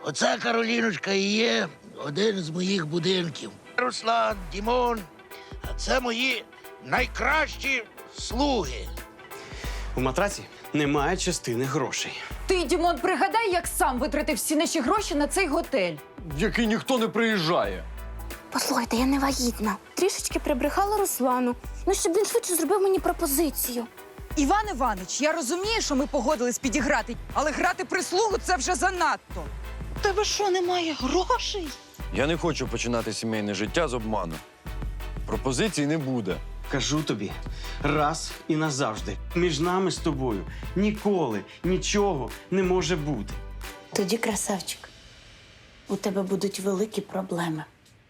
Оце, Кароліночка, і є один з моїх будинків. Руслан, Дімон, це мої найкращі слуги. У матраці немає частини грошей. Ти, Дімон, пригадай, як сам витратив всі наші гроші на цей готель. В який ніхто не приїжджає. Послухайте, я не вагітна. Трішечки прибрехала Руслану. Ну, щоб він швидше зробив мені пропозицію. Іван Іванович, я розумію, що ми погодились підіграти, але грати прислугу – це вже занадто. У тебе що, немає грошей? Я не хочу починати сімейне життя з обману. Пропозицій не буде. Кажу тобі раз і назавжди. Між нами з тобою ніколи нічого не може бути. Тоді, красавчик, у тебе будуть великі проблеми.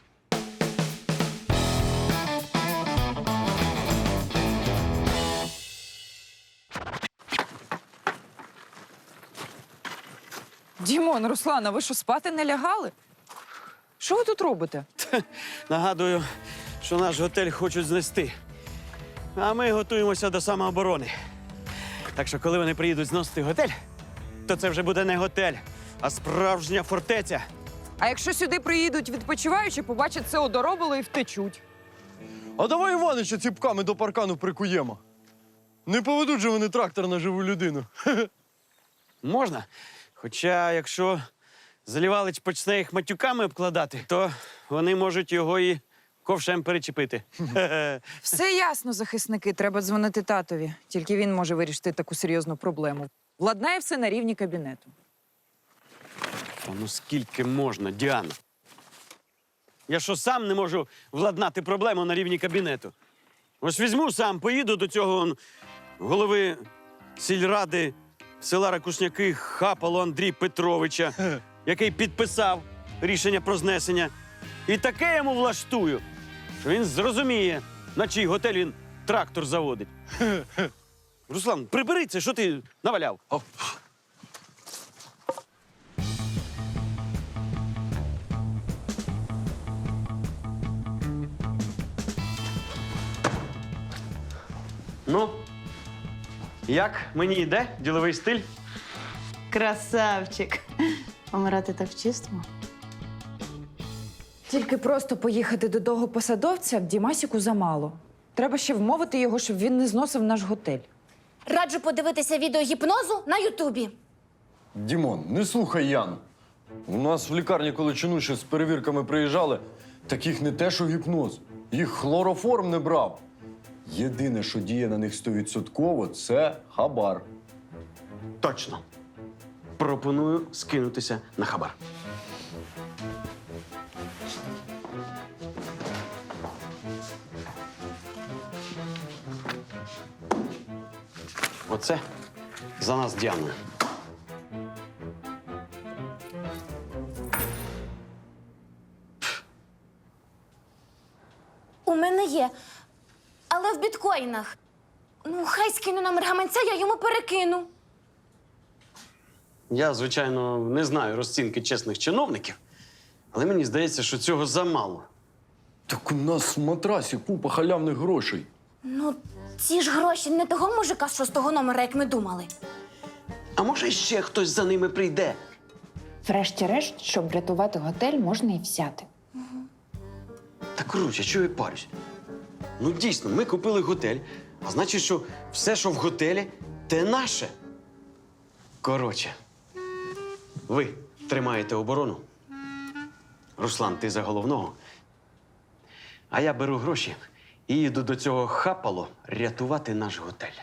Дімон, Руслана, ви що, спати не лягали? Що ви тут робите? Нагадую, що наш готель хочуть знести. А ми готуємося до самооборони. Так що, коли вони приїдуть зносити готель, то це вже буде не готель, а справжня фортеця. А якщо сюди приїдуть відпочиваючі, побачать це одоробило і втечуть. А давай Іванича ціпками до паркану прикуємо. Не поведуть же вони трактор на живу людину. Можна. Хоча, якщо Залівалич почне їх матюками обкладати, то вони можуть його і ковшем перечепити. Все ясно, захисники, треба дзвонити татові. Тільки він може вирішити таку серйозну проблему. Владнає все на рівні кабінету. Та ну скільки можна, Діана? Я що, сам не можу владнати проблему на рівні кабінету? Ось візьму сам, поїду до цього голови сільради села Ракушняки Хапало Андрія Петровича, який підписав рішення про знесення. І таке йому влаштую, що він зрозуміє, на чий готель він трактор заводить. Руслан, прибери це, що ти наваляв? Ну, як мені йде діловий стиль? Красавчик. Помирати так чисто? Тільки просто поїхати до того посадовця Дімасіку замало. Треба ще вмовити його, щоб він не зносив наш готель. Раджу подивитися відео гіпнозу на Ютубі. Дімон, не слухай Яну. У нас в лікарні, коли чинуші з перевірками приїжджали, таких не те, що гіпноз. Їх хлороформ не брав. Єдине, що діє на них 100%, це хабар. Точно. Пропоную скинутися на хабар. Оце за нас з Діаною. У мене є, але в біткоїнах. Ну, хай скину номер гаманця, я йому перекину. Я, звичайно, не знаю розцінки чесних чиновників, але мені здається, що цього замало. Так у нас в матрасі купа халявних грошей. Ну, ці ж гроші не того мужика з 6-го номера, як ми думали. А може, ще хтось за ними прийде? Врешті-решт, щоб врятувати готель, можна і взяти. Та коротше, чого я парюсь? Ну, дійсно, ми купили готель, а значить, що все, що в готелі, те наше. Коротше, ви тримаєте оборону. Руслан, ти за головного. А я беру гроші і їду до цього Хапало рятувати наш готель.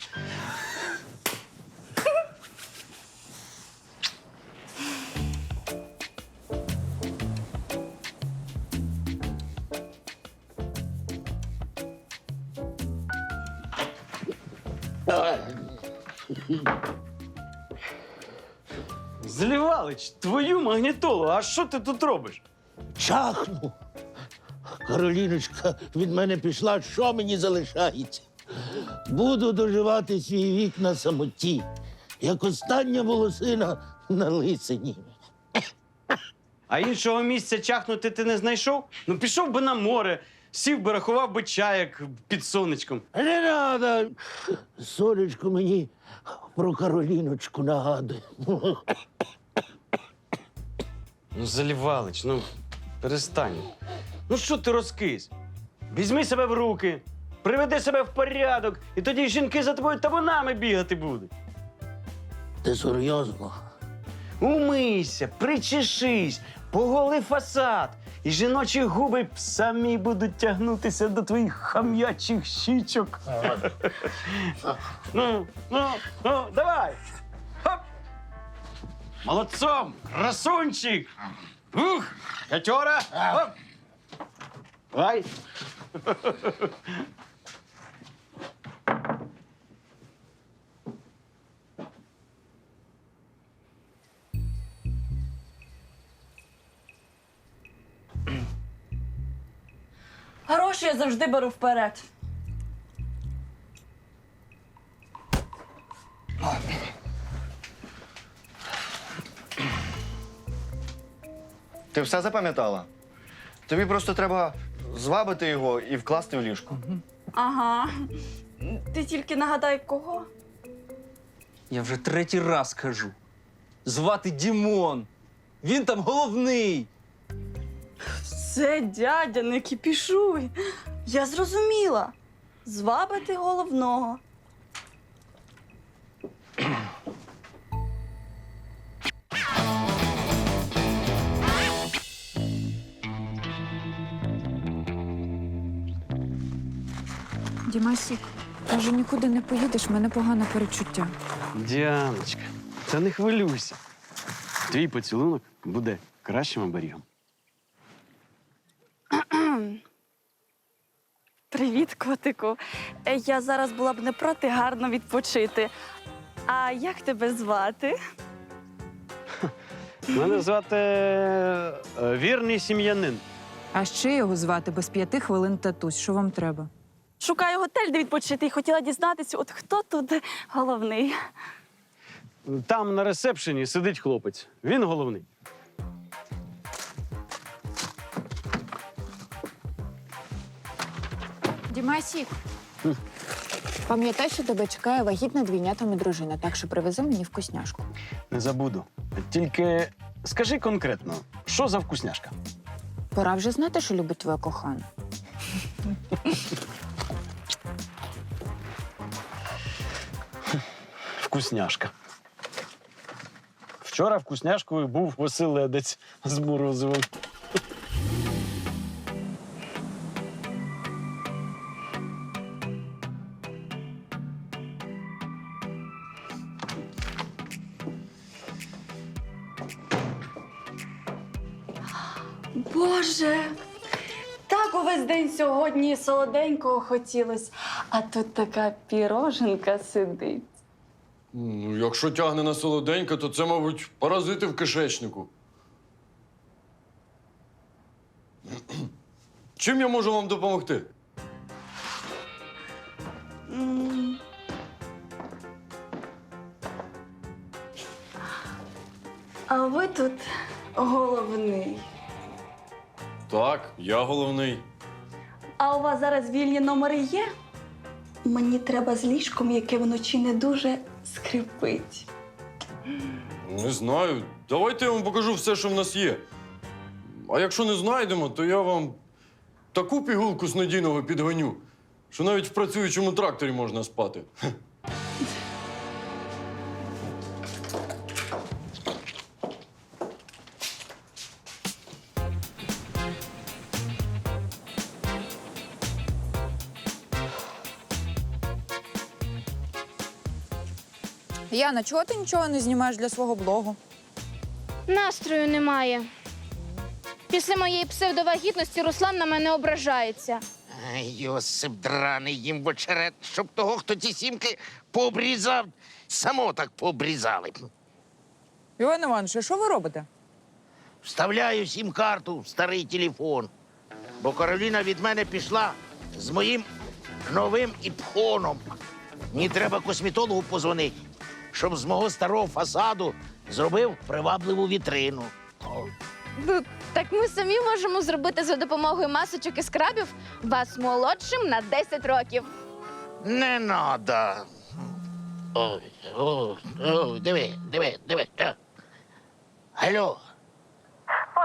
Злівалич, твою магнітолу, а що ти тут робиш? Чахну. Кароліночка від мене пішла, що мені залишається? Буду доживати свій вік на самоті, як остання волосина на лисині. А іншого місця чахнути ти не знайшов? Ну, пішов би на море, сів би, рахував би чаяк під сонечком. Не треба. Сонечко мені про Кароліночку нагадує. Ну, Залівалич, ну перестань. Ну що ти розкис? Візьми себе в руки, приведи себе в порядок, і тоді жінки за тобою табунами бігати будуть. Ти серйозно? Умийся, причешись, поголи фасад, і жіночі губи самі будуть тягнутися до твоїх хам'ячих щічок. Ну, давай! Хоп! Молодцом, красунчик! Ух, п'ятьора! Хоп! Давай! Гроші я завжди беру вперед. Ти все запам'ятала? Тобі просто треба звабити його і вкласти в ліжко. Ага. Ти тільки нагадай, кого? Я вже третій раз кажу. Звати Дімон. Він там головний. Все, дядя, не кіпішуй. Я зрозуміла. Звабити головного. Дімасік, каже, нікуди не поїдеш, в мене погане перечуття. Діаночка, та не хвилюйся. Твій поцілунок буде кращим оберігом. Привіт, котику. Я зараз була б не проти гарно відпочити. А як тебе звати? Мене звати вірний сім'янин. А ще його звати без 5 хвилин татусь. Що вам треба? Шукаю готель, де відпочити, і хотіла дізнатися, от хто тут головний. Там на ресепшені сидить хлопець. Він головний. Дімасік, пам'ятай, що тебе чекає вагітна двійнятами дружина, так що привези мені вкусняшку. Не забуду. Тільки скажи конкретно, що за вкусняшка? Пора вже знати, що любить твоя кохана. Вкусняшка. Вчора вкусняшкою був оселедець з морозивом. Боже, так увесь день сьогодні солоденького хотілось, а тут така піроженка сидить. Ну, якщо тягне на солоденьке, то це, мабуть, паразити в кишечнику. Чим я можу вам допомогти? А ви тут головний. Так, я головний. А у вас зараз вільні номери є? Мені треба з ліжком, яке вночі не дуже скрипить. Не знаю. Давайте я вам покажу все, що в нас є. А якщо не знайдемо, то я вам таку пігулку з надійного підгоню, що навіть в працюючому тракторі можна спати. Яна, чого ти нічого не знімаєш для свого блогу? Настрою немає. Після моєї псевдовагітності Руслан на мене ображається. Ай, Йосип драний їм в очерет, щоб того, хто ці сімки пообрізав, само так пообрізали. Іван Іванович, а що ви робите? Вставляю сім-карту в старий телефон, бо Кароліна від мене пішла з моїм новим іпхоном. Мені треба косметологу позвонити, щоб з мого старого фасаду зробив привабливу вітрину. Ну, так ми самі можемо зробити за допомогою масочок і скрабів вас молодшим на 10 років. Не надо. Ой, диви. Алло.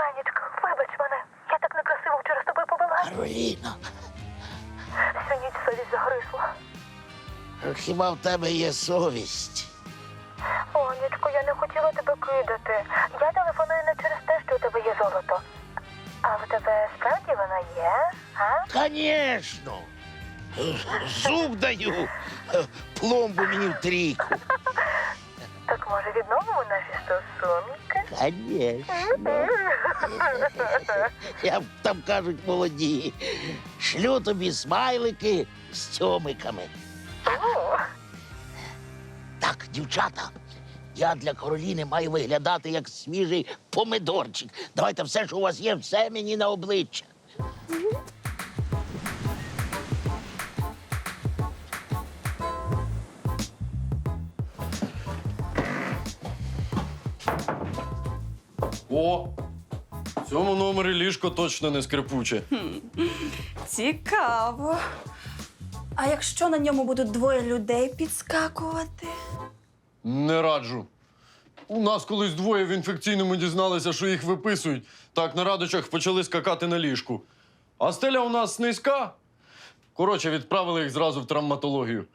Кароліно, Всю ніч совість загризла. хіба в тебе є совість? Онечко, я не хотіла тебе кидати. Я телефоную не через те, що у тебе є золото. А в тебе справді вона є, а? Конечно. Зуб даю, пломбу мені в трійку. Так може відновимо наші стосунки? Конечно. Як там кажуть молоді, шлю тобі смайлики з цьомиками. Так, дівчата, я для Кароліни маю виглядати як свіжий помидорчик. Давайте все, що у вас є, все мені на обличчя. О! В цьому номері ліжко точно не скрипуче. Цікаво. А якщо на ньому будуть двоє людей підскакувати? Не раджу. У нас колись двоє в інфекційному дізналися, що їх виписують. Так на радочах почали скакати на ліжку. А стеля у нас низька. Коротше, відправили їх зразу в травматологію.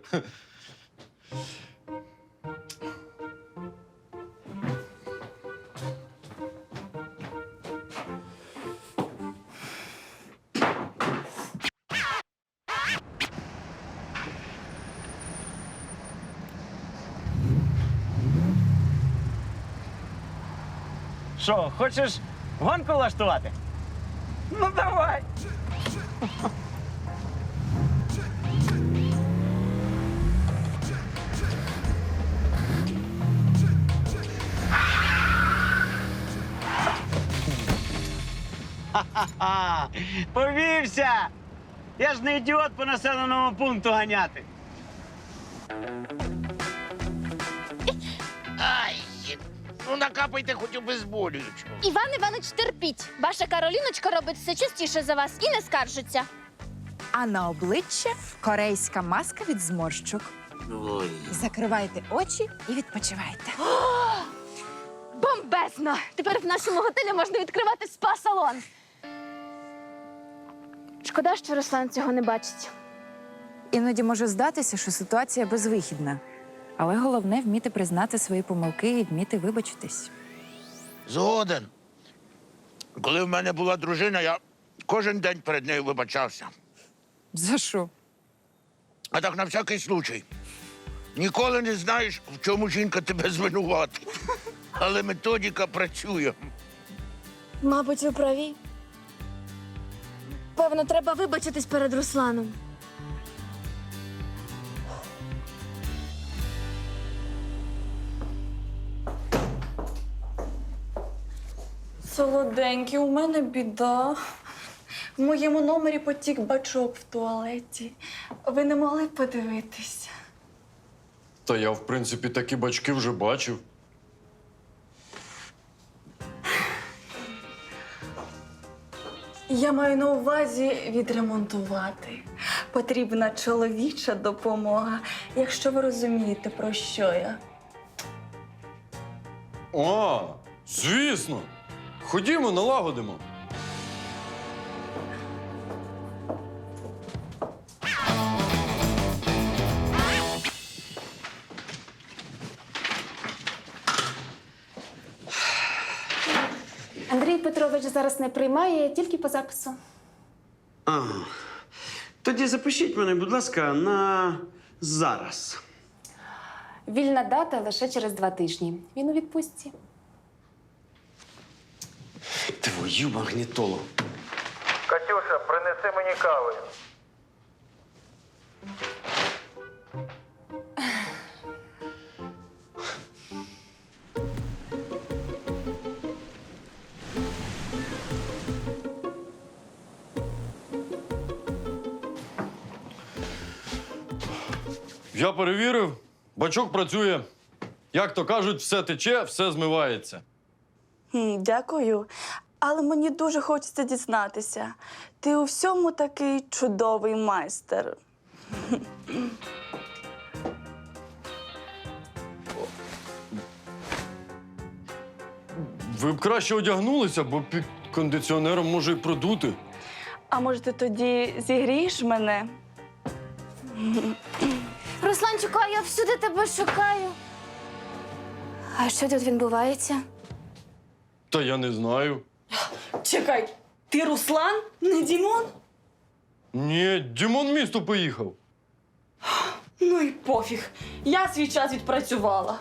Що, хочеш гонку влаштувати? Ну давай. Ха-ха-ха! Повівся! Я ж не ідіот по населеному пункту ганяти. Ай, ну накапайте хоч обезболюючого. Іван Іванович, терпіть. Ваша Кароліночка робить все частіше за вас і не скаржиться. А на обличчя корейська маска від зморщок. Ой. Закривайте очі і відпочивайте. Бомбезно! Тепер в нашому готелі можна відкривати спа-салон. Шкода, що Руслан цього не бачить. Іноді може здатися, що ситуація безвихідна. Але головне вміти признати свої помилки і вміти вибачитись. Згоден. Коли в мене була дружина, я кожен день перед нею вибачався. За що? А так на всякий случай. Ніколи не знаєш, в чому жінка тебе звинуватить. Але методика працює. Мабуть, ви праві. Певно, треба вибачитись перед Русланом. Солоденький, у мене біда. В моєму номері потік бачок в туалеті. Ви не могли б подивитися? Та я, в принципі, такі бачки вже бачив. Я маю на увазі відремонтувати. Потрібна чоловіча допомога, якщо ви розумієте, про що я. А, звісно. Ходімо, налагодимо. Андрій Петрович зараз не приймає, тільки по запису. Тоді запишіть мене, будь ласка, на зараз. Вільна дата лише через 2 тижні. Він у відпустці. Твою магнітолу. Катюша, принеси мені кави. Я перевірив, бачок працює. Як то кажуть, все тече, все змивається. Дякую. Але мені дуже хочеться дізнатися. Ти у всьому такий чудовий майстер. Ви б краще одягнулися, бо під кондиціонером може й продути. А може, ти тоді зігрієш мене? Русланчику, а я всюди тебе шукаю. А що тут відбувається? Та я не знаю. Чекай, ти Руслан, не Дімон? Ні, Дімон в місто поїхав. Ну і пофіг. Я свій час відпрацювала.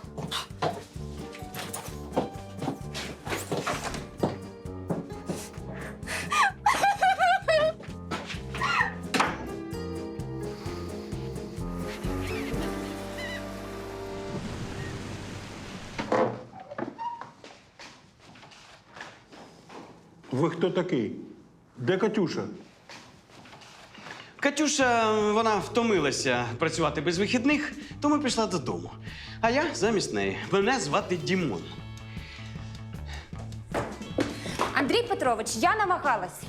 Ви хто такий? Де Катюша? Катюша, вона втомилася працювати без вихідних, тому пішла додому. А я замість неї. Мене звати Дімон. Андрій Петрович, я намагалась.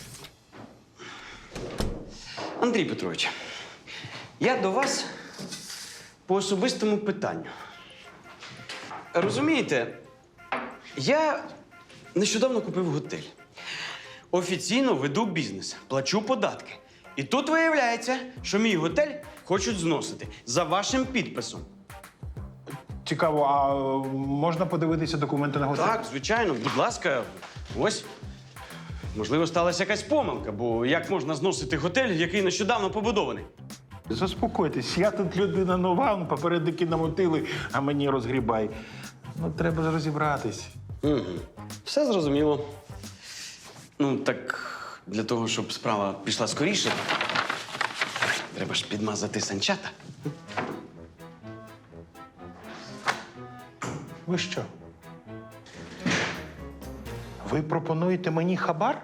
Андрій Петрович, я до вас по особистому питанню. Розумієте, я нещодавно купив готель. Офіційно веду бізнес, плачу податки. І тут виявляється, що мій готель хочуть зносити за вашим підписом. Цікаво, а можна подивитися документи на готель? Так, звичайно, будь ласка, ось. Можливо, сталася якась помилка, бо як можна зносити готель, який нещодавно побудований? Заспокойтесь, я тут людина нова, попередники намотили, а мені розгрібай. Ну, треба ж розібратись. Угу. Все зрозуміло. Ну, так для того, щоб справа пішла скоріше, треба ж підмазати санчата. Ви що? Ви пропонуєте мені хабар?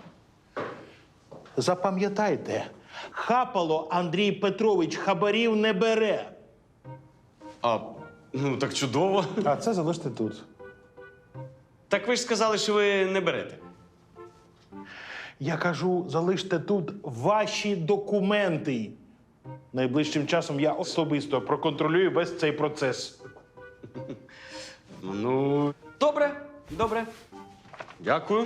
Запам'ятайте, хапало Андрій Петрович хабарів не бере. А, ну так чудово. А це залиште тут. Так ви ж сказали, що ви не берете. Я кажу, залиште тут ваші документи. Найближчим часом я особисто проконтролюю весь цей процес. Ну, добре, добре. Дякую.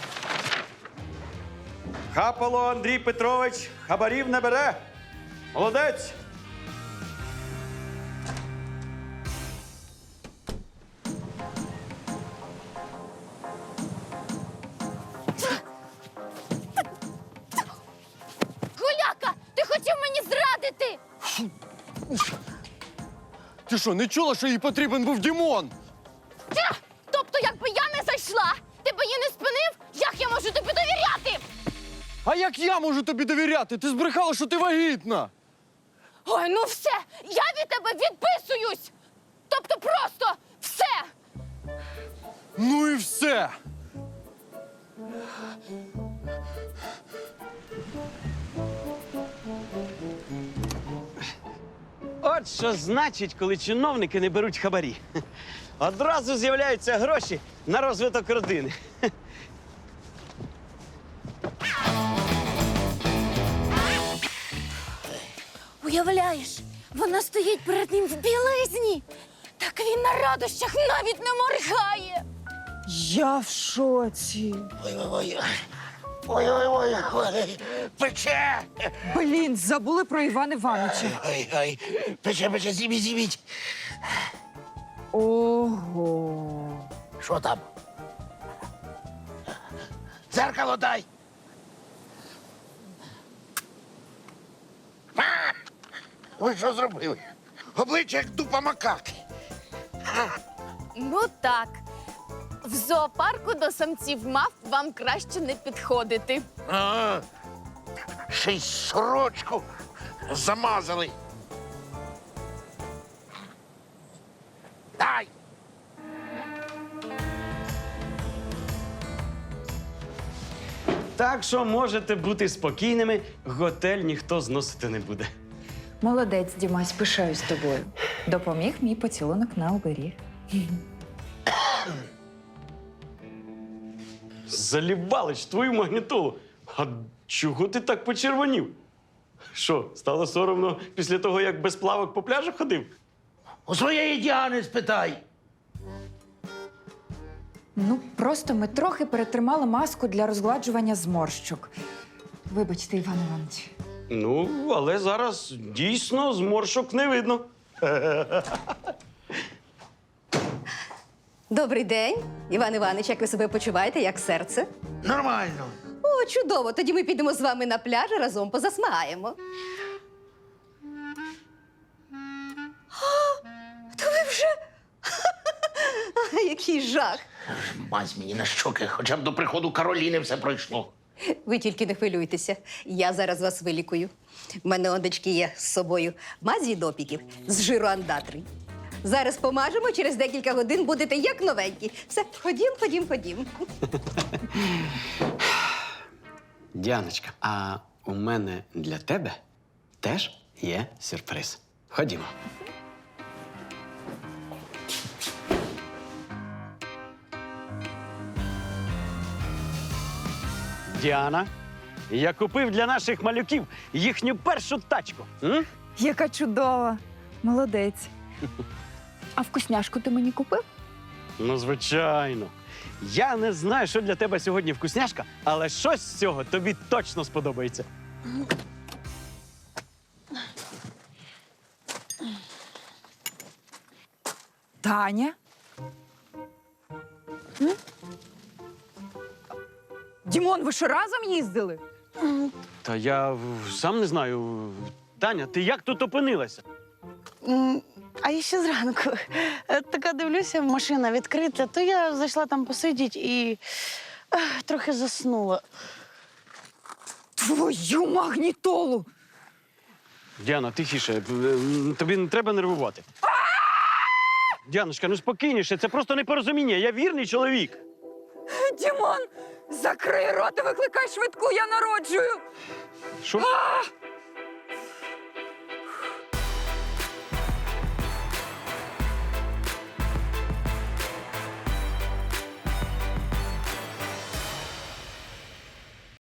Хапало Андрій Петрович хабарів не бере. Молодець. Гуляка, ти хотів мені зрадити! Ти що, не чула, що їй потрібен був Дімон? Тобто, якби я не зайшла, ти б її не спинив, як я можу тобі довіряти? А як я можу тобі довіряти? Ти збрехала, що ти вагітна. Ой, ну все, я від тебе відписуюсь! Тобто просто все! Ну і все. От що значить, коли чиновники не беруть хабарі. Одразу з'являються гроші на розвиток родини. Уявляєш, вона стоїть перед ним в білизні. Так він на радощах навіть не моргає. Я в шоці. Ой, пече! Блін, забули про Івана Івановича. Ой, пече, зіміть. Ого. Що там? Дзеркало дай. Ви що зробили? Обличчя як дупа макаки. Ну так. В зоопарку до самців мав вам краще не підходити. А, ще й сорочку замазали. Дай! Так що можете бути спокійними, готель ніхто зносити не буде. Молодець, Дімась, пишаюсь тобою. Допоміг мій поцілунок на оберіг. Залібалич, твою магнітолу. А чого ти так почервонів? Що, стало соромно після того, як без плавок по пляжу ходив? У своєї Діани спитай. Ну, просто ми трохи перетримали маску для розгладжування зморщок. Вибачте, Іван Іванович. Ну, але зараз дійсно зморшок не видно. Добрий день, Іван Іванович, як ви себе почуваєте, як серце? Нормально. О, чудово! Тоді ми підемо з вами на пляж і разом позасмагаємо. То ви вже. Який жах! Мазь мені на щоки, хоча б до приходу Кароліни все пройшло. Ви тільки не хвилюйтеся. Я зараз вас вилікую. У мене ондечки є з собою мазі від опіків з жиру андатрій. Зараз помажемо, через декілька годин будете як новенькі. Все, ходім. Діаночка, а у мене для тебе теж є сюрприз. Ходімо. Діана, я купив для наших малюків їхню першу тачку. М? Яка чудова. Молодець. А вкусняшку ти мені купив? Ну, звичайно. Я не знаю, що для тебе сьогодні вкусняшка, але щось з цього тобі точно сподобається. Таня? Дімон, ви що разом їздили? Та я сам не знаю. Таня, ти як тут опинилася? А я ще зранку. Така дивлюся, машина відкрита, то я зайшла там посидіти і трохи заснула. Твою магнітолу! Діана, тихіше, тобі не треба нервувати. Діаночка, ну спокійніше, це просто непорозуміння. Я вірний чоловік. Дімон, закрий рот і викликай швидку, я народжую! Що?